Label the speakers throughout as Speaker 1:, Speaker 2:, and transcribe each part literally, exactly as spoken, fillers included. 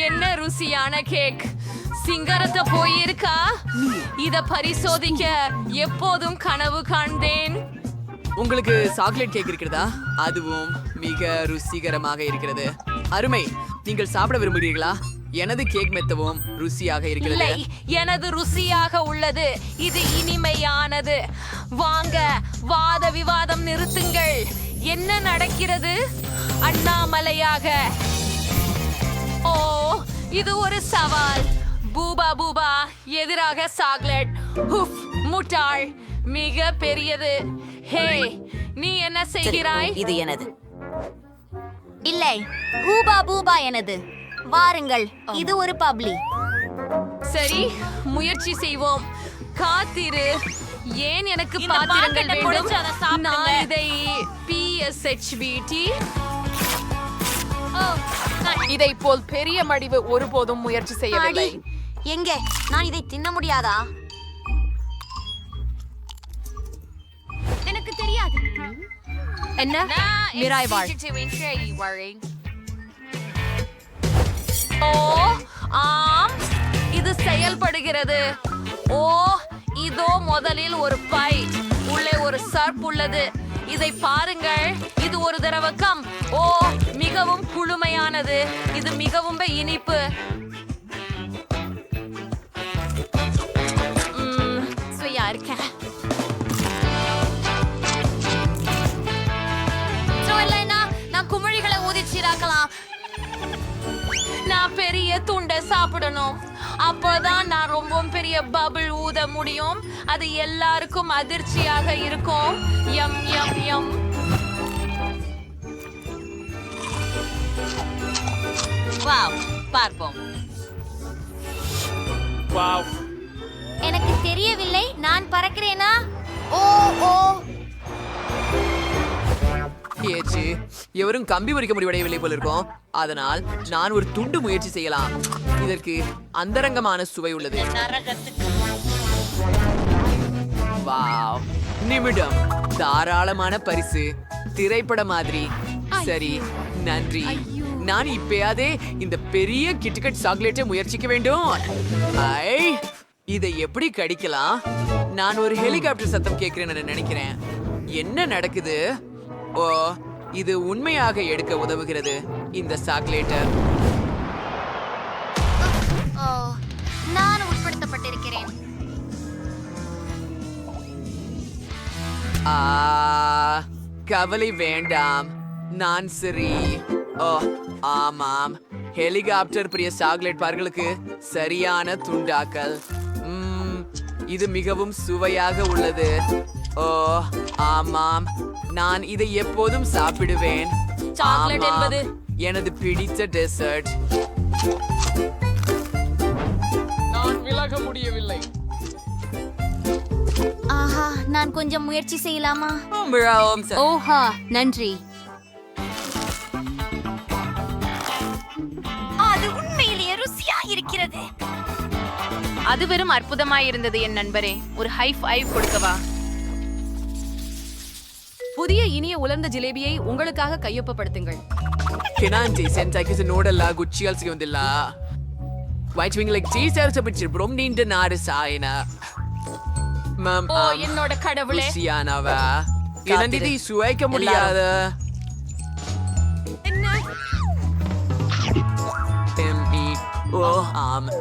Speaker 1: என்ன ருசியான கேக். சிங்கரத்தை போயிருக்கா. இத பரிசோதிக்க எப்போதும் கனவு காண்பேன்.
Speaker 2: உங்களுக்கு சாக்லேட் கேக் இருக்கிறதா? அதுவும் மிக ருசிகரமாக இருக்கிறது. அருமை. நீங்கள் சாப்பிட விரும்புகிறீர்களா? எனது கேக் மெத்தவும் ருசியாக இருக்கிறது.
Speaker 1: இல்லை, எனது ருசியாக உள்ளது. இது இனிமையானது. வாங்க, வாத விவாதம் நிறுத்துங்கள். என்ன நடக்கிறது? அண்ணாமலையாக. ஓ, இது ஒரு சவால். பூபா பூபா எதிராக சாக்லேட். உஃப், முட்டாள். மிக பெரியது. ஹே, நீ என்ன செய்கிறாய்?
Speaker 3: இது எனது.
Speaker 4: இல்லை, பூபா பூபா எனது. வாருங்கள், இது ஒரு பப்ளி.
Speaker 1: சரி, முயற்சி செய்வோம். காத்திரு. ஏன் எனக்கு
Speaker 3: இந்த
Speaker 1: பாத்திரங்கள்
Speaker 3: பாக்கெட்டை குடிச்சு அதை
Speaker 1: வேண்டும்?
Speaker 3: சாப்பிடுங்க.
Speaker 1: நான் இதை பிஎஸ்ஹெச்பிடி
Speaker 5: இதை போல் பெரிய மடிவு ஒருபோதும் முயற்சி செய்யவில்லை.
Speaker 4: எங்கே? நான் இதை தின்ன முடியாதா? எனக்கு தெரியாது.
Speaker 1: என்ன? மிராய் வாழ். ஓ, ஆம், இது செயல்படுகிறது. ஓ, இதோ முதலில் ஒரு பை. உள்ளே ஒரு சர்ப் உள்ளது. இதை பாருங்கள். இது ஒரு திரவக்கம். ஓ, மிகவும் குளுமையானது. இது மிகவும் இனிப்பு. ம், சுவையா இருக்கேன். நான் குமிழிகளை ஊதிச்சிராக்கலாம். நான் பெரிய துண்டை சாப்பிடணும். அப்போதான் நான் ரொம்ப பெரிய பபிள் ஊத முடியும். அது எல்லாருக்கும் அதிர்ச்சியாக இருக்கும். யம் யம் யம்.
Speaker 3: வாவ், பார்ப்போம்.
Speaker 4: எனக்கு தெரியவில்லை. நான் பறக்கிறேனா? ஓ ஓ
Speaker 2: ஏச்சு, எவரும் கம்பி பறிக்க முடிவடையவில்லை போல இருக்கும். அதனால் நான் ஒரு துண்டு முயற்சி செய்யலாம். இதற்கு அந்தரங்கமான சுவை உள்ளது. வாவ், நிமிடம். தாராளமான பரிசு. திரைப்பட மாதிரி. சரி, நன்றி. நான் இப்பயாதே இந்த பெரிய கிட்கட் சாக்லேட்டை முயற்சிக்க வேண்டும். ஐ, இதை எப்படி கடிக்கலாம்? நான் ஒரு ஹெலிகாப்டர் சத்தம் கேட்கிறேன்னு நினைக்கிறேன். என்ன நடக்குது? ஓ, இது உண்மையாக எடுக்க உதவுகிறது இந்த சாக்லேட்டர்.
Speaker 4: ஓ, நான் உட்படுத்தப்பட்டிருக்கிறேன்.
Speaker 2: ஆ, கவலை வேண்டாம். நான் சரி. ஓ, ஆமாம். ஹெலிகாப்டர் பிரிய சாக்லேட் பார்களுக்கு சரியான துண்டாக்கல். ம், இது மிகவும் சுவையாக உள்ளது. ஓ, ஆமாம். நான் இதை எப்போதும் சாப்பிடுவேன்.
Speaker 1: சாக்லேட்
Speaker 2: ஆமாம்,
Speaker 1: என்பது
Speaker 2: எனது பிடித்த டெசர்ட்.
Speaker 5: நான் விலக முடியவில்லை.
Speaker 4: ஆஹா, நான் கொஞ்சம் முயற்சி செய்யலாமா?
Speaker 2: மிகவும்
Speaker 4: ஓஹா, நன்றி. அது உண்மையிலேயே ருசியா இருக்கிறது.
Speaker 1: அது வெறும் அற்புதமாயிருந்தது என் நண்பரே. ஒரு ஹை ஃபைவ் கொடுக்கவா? புதிய இனிய உலர்ந்த ஜிலேபியை உங்களுக்காக கையொப்பப்படுத்துங்கள்.
Speaker 2: ಕೆನಾಂಟಿ ಸೆಂಟಾಕಿಸ್ ನೋಡಲ್ಲ ಗುಚ್ಚಿಯಲ್ ಸಿಗೋದಿಲ್ಲ ವೈಟ್ ವಿಂಗ್ ಲೈಕ್ ಚೀಸ್ ಸೇರ್ಸ ಬಿಟ್ಟಿರು ಬ್ರೊಮ್ ನಿಂಟ ನಾರು ಸಾಯನ மம்
Speaker 1: ஓ, என்னோட கடவுளே.
Speaker 2: ருசியானவ என்னது சுவைக்க முடியாத
Speaker 1: என்ன?
Speaker 2: எம்இ ஓ ஆம்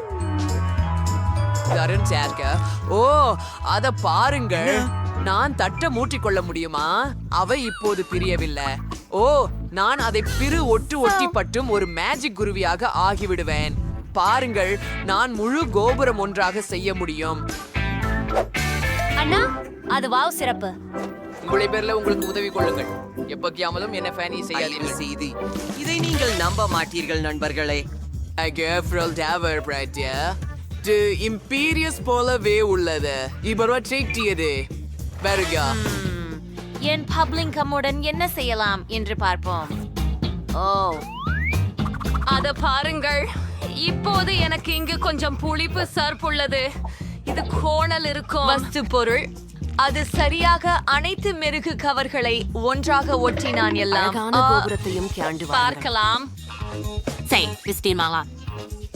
Speaker 2: தரன் சேர்க்க. ஓ, அத பாருங்கள். நான் தட்ட மூட்டிக்கொள்ள முடியுமா? அவை இப்போது பிரியவில்லை. ஓ, நான் அதை பிறு ஒட்டு ஒட்டி பட்டும் ஒரு மேஜிக் குருவியாக ஆகிவிடுவேன். பாருங்கள், நான் முழு கோபுரம் ஒன்றாக செய்ய முடியும்.
Speaker 4: அண்ணா, அது வாவ் சிறப்பு.
Speaker 2: உங்களை பேர்ல உங்களுக்கு உதவி கொள்ளுங்கள். எப்பக்கியாமலும் என்ன ஃபேனி செய்யாதீர்கள்.
Speaker 3: செய்தி இதை நீங்கள் நம்ப மாட்டீர்கள் நண்பர்களே.
Speaker 2: Gefrel Tower Pratia. டு இம்பீரியஸ் போலவே உள்ளது. இவரோ ட்ரீக்டியது. வருக.
Speaker 4: என் பப்ளிங் கம்முடன் என்ன செய்யலாம் என்று பார்ப்போம். ஓ,
Speaker 1: அத பாருங்கள். இப்போது எனக்கு இங்கு கொஞ்சம் புளிப்பு சர்ப் உள்ளது. இது கோணல் இருக்கும் வஸ்து பொருள். அது சரியாக அனைத்து மெருகு கவர்களை ஒன்றாக ஒட்டினான். எல்லாம்
Speaker 3: அழகான கோபுரத்தையும் காண்டு வாருங்கள்.
Speaker 1: பார்க்கலாம்.
Speaker 3: சரி, பிஸ்டின் மாலா.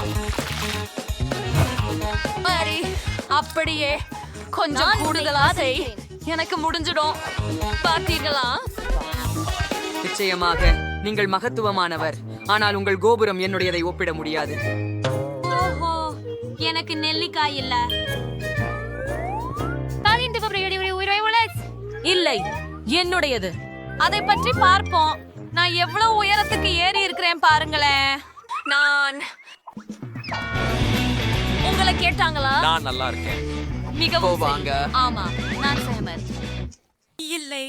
Speaker 1: சரி, அப்படியே கொஞ்சம் கூடுதலா செய். எனக்கு முடிஞ்சிடும். பார்த்தீங்களா?
Speaker 6: நிச்சயமாக நீங்கள் மகத்துவமானவர், ஆனால் உங்கள் கோபுரம் என்னுடையதை ஒப்பிட முடியாது.
Speaker 4: ஓஹோ, எனக்கு நெல்லிக்காய் இல்ல.
Speaker 1: இல்லை, என்னுடையது. அதை பற்றி பார்ப்போம். நான் எவ்வளவு உயரத்துக்கு ஏறி இருக்கிறேன் பாருங்களேன். நான் உங்களை கேட்டாங்களா?
Speaker 7: நான் நல்லா இருக்கேன்.
Speaker 1: மிகவும்
Speaker 2: வாங்க.
Speaker 1: சரி. ஆமா,
Speaker 4: நான் சஹமத்.
Speaker 1: இல்லை.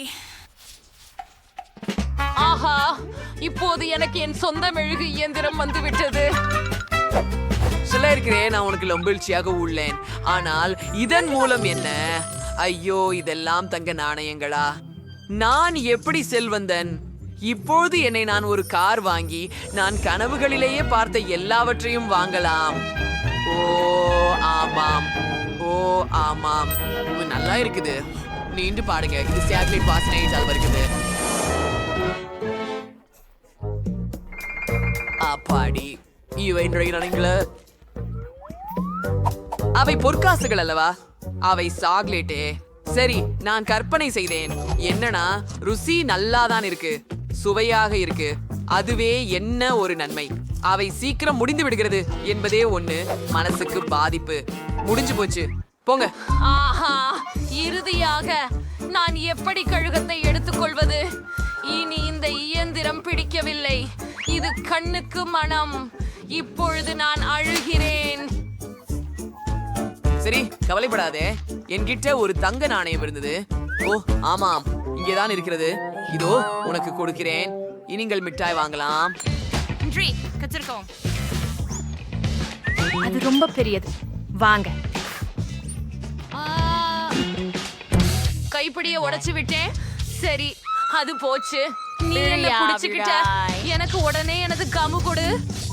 Speaker 1: ஆஹா, இப்போது எனக்கு என் சொந்த மெழுகு இயந்திரம் வந்து விட்டது.
Speaker 2: சொல்ல இருக்கிறேன், நான் உனக்கு லொம்பிழ்ச்சியாக உள்ளேன். ஆனால் இதன் மூலம் என்ன? ஐயோ, இதெல்லாம் தங்க நாணயங்களா? நான் எப்படி செல்வந்தன்? இப்போது என்னை நான் ஒரு கார் வாங்கி நான் கனவுகளிலேயே பார்த்த எல்லாவற்றையும் வாங்கலாம். ஓ ஆமாம், ஓ ஆமாம், இது நல்லா இருக்குது. நீண்டு பாடுங்க, இது சேட்டலைட் வாசனையால் வருகிறது. அப்பாடி, இவை நுழைகிறானுங்கள. அவை பொற்காசுகள் அல்லவா? அவை சாக்லேட்டே. சரி, நான் கற்பனை செய்தேன். என்னன்னா, ருசி நல்லாதான் இருக்கு, சுவையாக இருக்கு. அதுவே என்ன ஒரு நன்மை. அவை சீக்கிரம் முடிந்து விடுகிறது என்பதே ஒண்ணு மனசுக்கு பாதிப்பு. முடிஞ்சு போச்சு, போங்க.
Speaker 1: ஆஹா, இறுதியாக நான் எப்படி கழுகத்தை எடுத்துக்கொள்வது? இனி இந்த இயந்திரம் பிடிக்கவில்லை. இது கண்ணுக்கு மனம். இப்பொழுது நான் அழுகிறேன்.
Speaker 2: சரி, கவலைப்படாதே. என்கிட்ட ஒரு தங்க நாணயம் இருந்தது. ஓ ஆமாம், இங்கேதான் இருக்கிறது. இதோ உனக்கு கொடுக்கிறேன். நீங்கள் மிட்டாய் வாங்கலாம்.
Speaker 5: அது ரொம்ப பெரியது. வாங்க.
Speaker 1: கைப்பிடிய உடைச்சு விட்டேன். சரி, அது போச்சு. நீ என்ன
Speaker 5: விழியா,
Speaker 1: புடிச்சுக்கிட்ட?
Speaker 5: விழாய்.
Speaker 1: எனக்கு உடனே எனது கமு கொடு.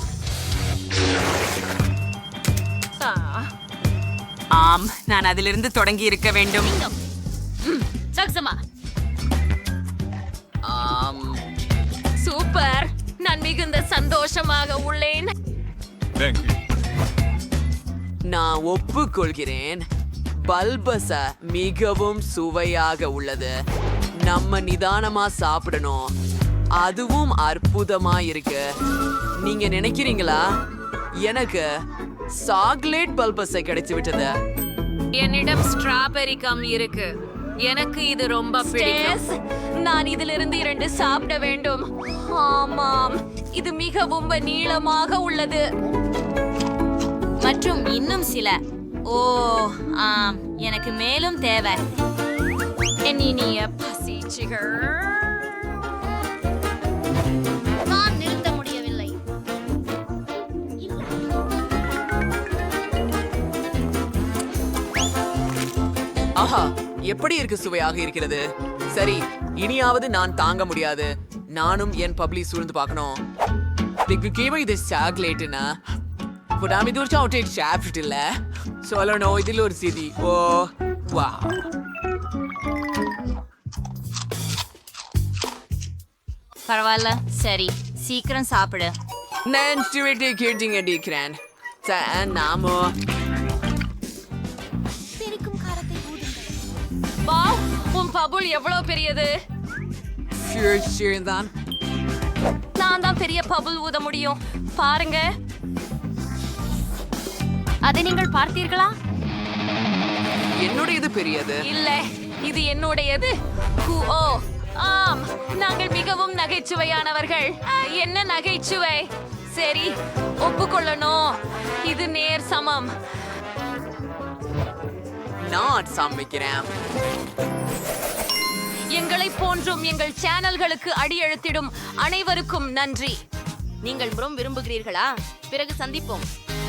Speaker 1: ஆ,
Speaker 6: ஆம், நான் அதிலிருந்து தொடங்கி இருக்க வேண்டும்.
Speaker 1: சக்சமா.
Speaker 2: ஆம்,
Speaker 1: சூப்பர். நான் மிகுந்த சந்தோஷமாக உள்ளேன்.
Speaker 7: தேங்க்யூ.
Speaker 2: நான் ஒப்புக்கொள்கிறேன். பல்பஸ மிகவும் சுவையாக உள்ளது. நம்ம நிதானமா சாப்பிடணும். அதுவும் அற்புதமா இருக்கு. நீங்க நினைக்கிறீங்களா? எனக்கு சாக்லேட் பல்பஸை கிடைச்சு விட்டது.
Speaker 1: என்னிடம் ஸ்ட்ராபெரி கம் இருக்கு. எனக்கு இது ரொம்ப பிடிக்கும். நான் இதிலிருந்து இரண்டு சாப்பிட வேண்டும். ஆமாம், இது மிகவும் நீளமாக உள்ளது.
Speaker 4: மற்றும் இன்னும் சில. ஓ ஆம், எனக்கு மேலும் தேவை.
Speaker 1: என் இனிய பசிச்சிகள்.
Speaker 4: நான் நிறுத்த முடியவில்லை.
Speaker 2: ஆஹா, எப்படி இருக்கு, சுவையாக இருக்கிறது. சரி, இனியாவது நான் தாங்க முடியாது. நானும் என் பப்ளி சூழ்ந்து பார்க்கணும். இதுக்கு கீழே இது சாக்லேட்டுனா புடாமி தூர் சாக்லேட் சாப்பிட்டு இல்ல சொல்லணும். இதில் ஒரு சிதி. ஓ வா,
Speaker 4: பரவாயில்ல. சரி, சீக்கிரம் சாப்பிடு.
Speaker 2: நான் ஸ்டூவெட்டை கேட்டீங்க டிக்ரான். நாமோ
Speaker 1: வாவ், உன் பபுள் எவ்வளவு பெரியது.
Speaker 2: தான்
Speaker 1: நான் தான் பெரிய பபுள் ஊத முடியும். பாருங்க.
Speaker 4: அதை நீங்கள் பார்த்தீர்களா?
Speaker 2: என்னுடையது பெரியது.
Speaker 1: இல்ல, இது என்னுடையது. கு ஓ ஆம், நாங்கள் மிகவும் நகைச்சுவையானவர்கள். என்ன நகைச்சுவை? சரி, ஒப்புக்கொள்ளணும். இது நேர் சமம்.
Speaker 2: நான் சமைக்கிறேன்.
Speaker 1: எங்களை போன்றும் எங்கள் சேனல்களுக்கு அடியெழுத்திடும் அனைவருக்கும் நன்றி.
Speaker 4: நீங்கள் ரொம்ப விரும்புகிறீர்களா? பிறகு சந்திப்போம்.